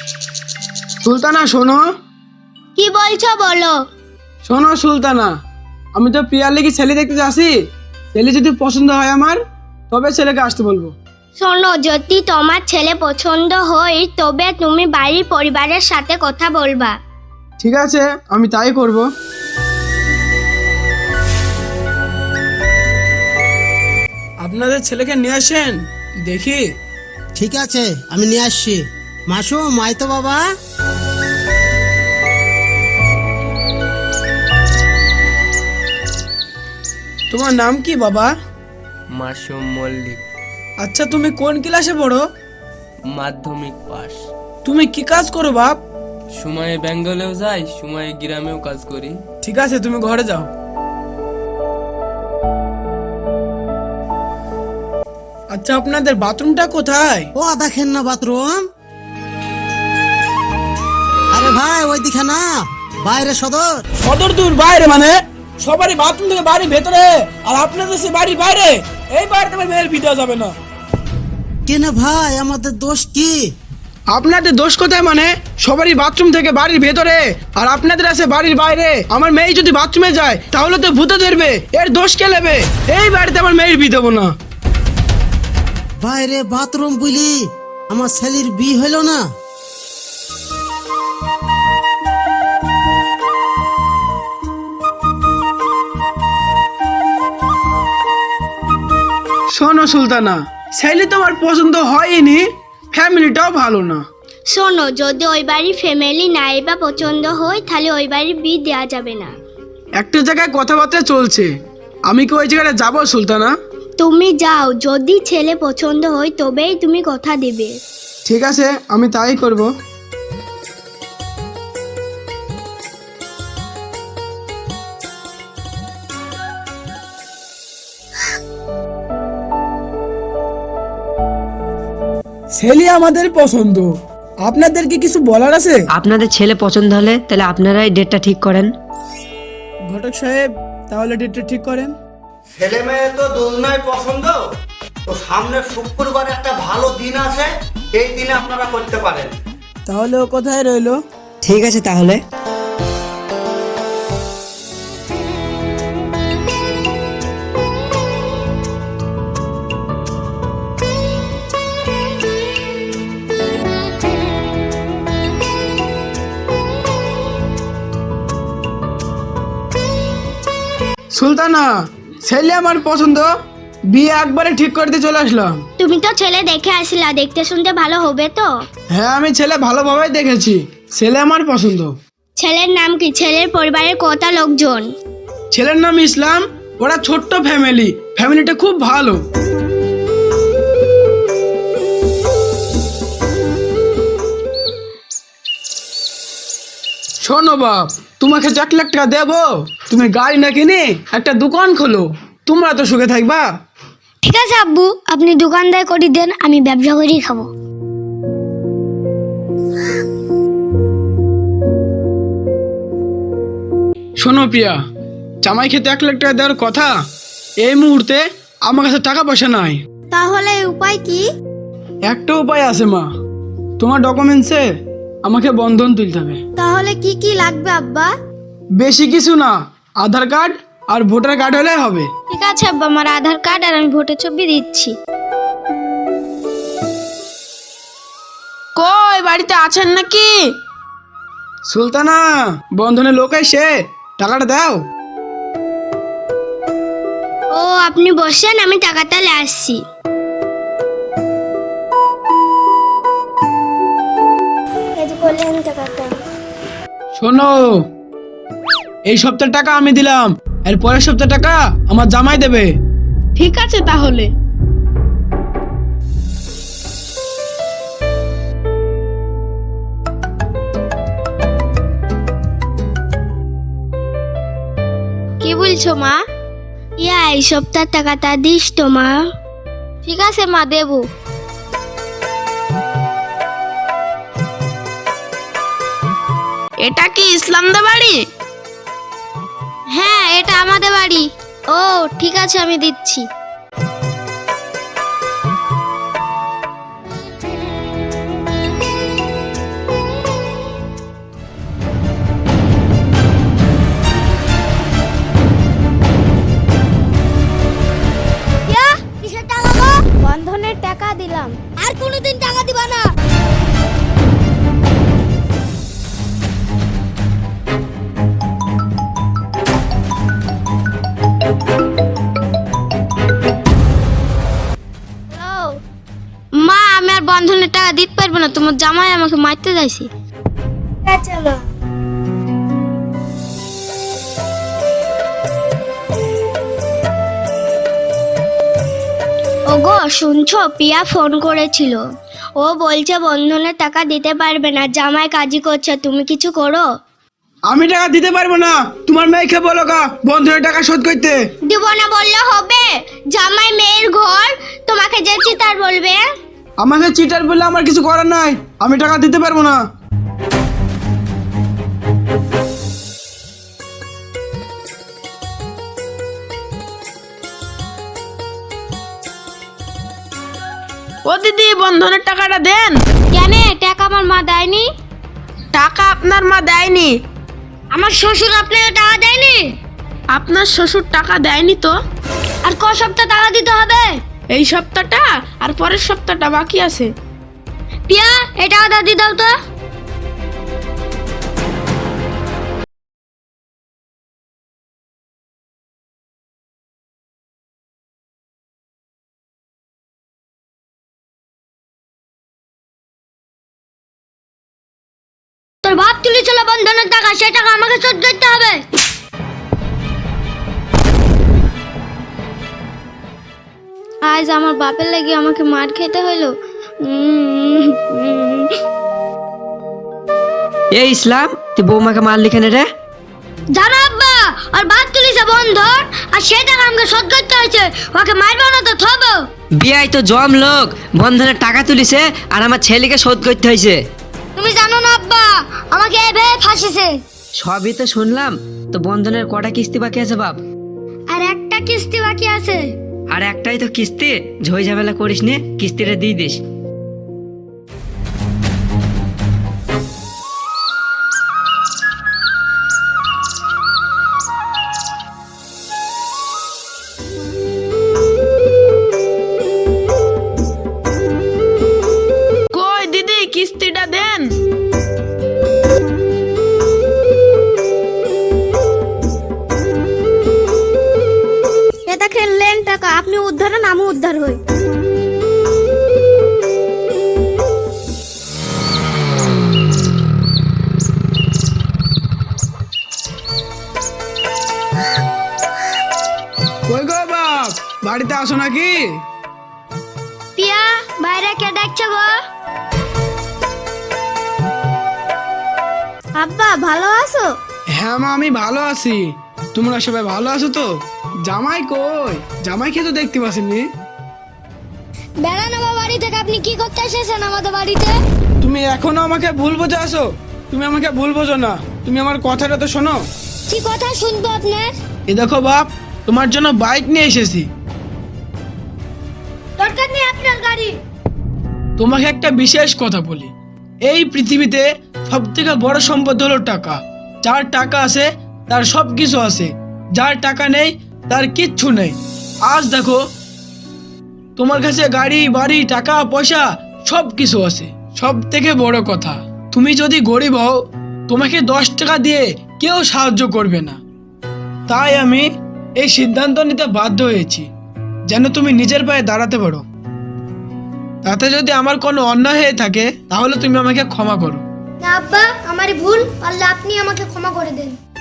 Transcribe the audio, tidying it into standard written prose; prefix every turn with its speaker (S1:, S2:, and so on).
S1: সুলতানা শোনো।
S2: কি বলছো বলো।
S1: শোনো সুলতানা, আমি তো প্রিয়ার লেগে ছেলে দেখতে যাচ্ছি। ছেলে যদি পছন্দ হয় আমার, তবে ছেলেকে আসতে বলবো।
S2: শোনো, যদি তোমার ছেলে পছন্দ হয় তবে তুমি বাড়ির পরিবারের সাথে কথা বলবা।
S1: ঠিক আছে, আমি তাই করব। আপনাদের ছেলেকে নিয়ে আসেন দেখি।
S3: ঠিক আছে, আমি নিয়ে আসছি। মাসুম, আয় তো বাবা।
S1: তোমার নাম কি বাবা?
S4: মাসুম মল্লিক।
S1: আচ্ছা, তুমি কোন ক্লাসে পড়ো?
S4: মাধ্যমিক পাস।
S1: তুমি কি কাজ করো বাপ?
S4: সময়ে বেঙ্গলেও যাই, সময়ে গ্রামেও কাজ করি।
S1: ঠিক আছে, তুমি ঘরে যাও। আচ্ছা, আপনাদের বাথরুমটা কোথায়?
S3: ও দেখেন না বাথরুম। আরে ভাই, ওই দিকে না, বাইরে সদর।
S1: সদর দূর বাইরে মানে? সবারই বাথরুম থেকে বাড়ি ভেতরে, আর আপনাদের সে বাড়ি বাইরে। এই বাড়িতে আমার মেয়ের ভিডিও যাবে না।
S3: কেন ভাই, আমাদের দোষ কি?
S1: আপনাদের দোষ কোথায় মানে? সবারই বাথরুম থেকে বাড়ির ভেতরে, আর আপনাদের আছে বাড়ির বাইরে। আমার মেয়ে যদি বাথরুমে যায় তাহলে তো ভূতে ধরবে। এর দোষ কে নেবে? এই বাড়িতে আমার মেয়ের বিয়ে দেবো না।
S3: বাইরে বাথরুম বুঝলি, আমার ছেলের বিয়ে হইল না।
S1: শোনো সুলতানা, ছেলে তোমার পছন্দ হয়নি, ফ্যামিলিটাও ভালো না।
S2: শোনো, যদি ওই বাড়ির ফ্যামিলি নাই বা পছন্দ হয় তাহলে ওই বাড়ির বিয়ে দেওয়া যাবে না।
S1: একটা জায়গায় কথাবার্তা চলছে, আমি কি ওই জায়গাটা যাবো সুলতানা?
S2: তুমি যাও, যদি ছেলে পছন্দ হয় তবেই তুমি কথা দেবে।
S1: ঠিক আছে, আমি তাই করব। ছেলে আমাদের পছন্দ, আপনাদের কি কিছু বলার আছে?
S5: আপনাদের ছেলে পছন্দ হলে তাহলে আপনারাই ডেটটা ঠিক করেন।
S1: ঘটক সাহেব, তাহলে ডেটটা ঠিক করেন।
S6: ছেলে মেয়ে তো দুজনাই পছন্দ, তো সামনে শুক্রবার একটা ভালো দিন আছে, এই দিনে আপনারা করতে পারেন।
S1: তাহলে ও কোথায় রইলো?
S5: ঠিক আছে তাহলে।
S1: সুলতানা, ছেলে আমার পছন্দ, বিয়ে একবারে ঠিক করতে চলে আসলাম।
S2: তুমি তো ছেলে দেখে আসলা, দেখতে শুনতে ভালো হবে তো?
S1: হ্যাঁ, আমি ছেলে ভালোভাবে দেখেছি, ছেলে আমার পছন্দ।
S2: ছেলের নাম কি? ছেলের পরিবারের কত লোকজন?
S1: ছেলের নাম ইসলাম। ওরা ছোট্ট ফ্যামিলি, ফ্যামিলিটা খুব ভালো। শোনো বাপ, তোমাকে 1 লাখ টাকা দেবো, তুমি গাড়ি না কিনে একটা দোকান খোলো, তোমরা তো সুখে থাকবা।
S2: ঠিক আছে আব্বু, আপনি দোকানদার করে দেন, আমি ব্যবসা করেই খাবো।
S1: শোনো প্রিয়া, জামাই খেতে 1 লাখ টাকা দেওয়ার কথা, এই মুহূর্তে আমার কাছে টাকা পয়সা নাই।
S2: তাহলে উপায় কি?
S1: একটা উপায় আছে মা, তোমার ডকুমেন্টসে আমাকে বন্ধন তুলতে হবে।
S2: তাহলে কি কি লাগবে আব্বা?
S1: বেশি কিছু না, আধার কার্ড আর ভোটার কার্ড হলে হবে।
S2: ঠিক আছে আব্বা, আমার আধার কার্ড আর আমি ভোটের ছবি দিচ্ছি।
S7: কই, বাড়িতে আছেন নাকি?
S1: সুলতানা, বন্ধনের লোক এসে টাকাটা দাও।
S2: ও, আপনি বসেন, আমি টাকাটা নিয়ে আসছি।
S1: শোনো, এই সপ্তাহের টাকা আমি দিলাম, এর পরের সপ্তাহের টাকা আমার জামাই দেবে।
S7: ঠিক আছে তাহলে।
S2: কি বলছো মা? এই সপ্তাহের টাকাটা দিস তো মা। ঠিক আছে মা, দেবো।
S7: এটা কি ইসলামদা বাড়ি?
S2: হ্যাঁ, এটা আমাদের বাড়ি। ও ঠিক আছে, আমি দিচ্ছি। বন্ধনের টাকা দিলাম, আর কোনোদিন টাকা দিবা না। মা, আমি আর বন্ধনের টাকা দিতে পারবো না, তোমার জামাই আমাকে মারতে যাইছে। চলো। ওগো শুনছো, পিয়া ফোন করেছিল। ও বলছে বন্ধনের টাকা দিতে পারবে না, জামাই কাজই করছে, তুমি কিছু করো।
S1: আমি টাকা দিতে পারবো না, তোমার মেয়েকে বলো গা বন্ধনের টাকা শোধ করতে।
S2: দিব না বললে হবে? জামাই মেয়ের ঘর, তোমাকে যে চিতার বলবে।
S1: আমাকে চিটার বললে আমার কিছু করার নাই, আমি টাকা দিতে পারবো না।
S7: ও দিদি, বন্ধনের টাকাটা দেন।
S2: কেন, টাকা আমার মা দেয়নি?
S7: টাকা আপনার মা দেয়নি।
S2: আমার শ্বশুর আপনাকে টাকা দেয়নি?
S7: আপনার শ্বশুর টাকা দেয়নি তো।
S2: আর ক সপ্তাহ টাকা দিতে হবে?
S7: এই সপ্তাহটা আর পরের সপ্তাহটা বাকি আছে।
S2: পিয়া, এই টাকাটা দিয়ে দাও তো। তোর বাপ তুলেছিল বন্ধনের টাকা, সেই টাকা আমাকে শোধ করতে হবে। আজ আমার বাপের লাগি আমাকে মার খেতে হলো।
S5: এই ইসলাম, তুই বৌমাকে মারলি কেন রে?
S2: জানো আব্বা, আর বাপ তুলেছে বন্ধন, আর সেই টাকা আমাকে শোধ করতে হয়েছে। ওকে মারবো না তো থবো?
S5: বিয়াই তো জম লোক, বন্ধনের টাকা তুলিছে আর আমার ছেলেকে শোধ করতে হয়েছে।
S2: তুমি জানো না আব্বা, আমাকে এভাবে ফাঁসিছে।
S5: সবই তো শুনলাম, তো বন্ধনের কটা কিস্তি বাকি আছে বাপ?
S2: আর একটা কিস্তি বাকি আছে।
S5: আর একটাই তো কিস্তি, ঝই ঝামেলা করিস নে, কিস্তিটা দিয়ে দিস।
S7: কই দিদি, কিস্তিটা দেন।
S2: এটা খেললেন টাকা, আপনি উদ্ধার হন, আমি উদ্ধার হই।
S1: কই গো বাপ, বাড়িতে আসো নাকি?
S2: পিয়া, বাইরে কে ডাকছে গো? আব্বা ভালো আছো?
S1: হ্যাঁ মা, আমি ভালো আছি। তোমরা সবাই ভালো আছো তো? জামাই কই? জামাইকে তো দেখতে পাচ্ছিনি।
S2: বেড়ান আমার বাড়ি থেকে, আপনি কি করতে এসেছেন আমাদের বাড়িতে?
S1: তুমি এখনো আমাকে ভুল বোঝো আছো? তুমি আমাকে ভুল বোঝো না, তুমি আমার কথাটা তো শোনো।
S2: কি কথা শুনবো আপনার?
S1: এ দেখো বাপ, তোমার জন্য বাইক নিয়ে এসেছি।
S2: দরকার নেই আপনার গাড়ি।
S1: তোমাকে একটা বিশেষ কথা বলি, এই পৃথিবীতে সব থেকে বড় সম্পদ হলো টাকা। যার টাকা আছে তার সব কিছু আছে, যার টাকা নেই তার কিচ্ছু নেই। আজ দেখো, তোমার কাছে গাড়ি বাড়ি টাকা পয়সা সব কিছু আছে। সব থেকে বড় কথা, তুমি যদি গরিব হও, তোমাকে 10 টাকা দিয়ে কেউ সাহায্য করবে না। তাই আমি এই সিদ্ধান্ত নিতে বাধ্য হয়েছি, যেন তুমি নিজের পায়ে দাঁড়াতে পারো। তাতে যদি আমার কোনো অন্যায় হয়ে থাকে, তাহলে তুমি আমাকে ক্ষমা করো।
S2: না আব্বা, আমারই ভুল, পারলে আপনি আমাকে ক্ষমা করে দেন।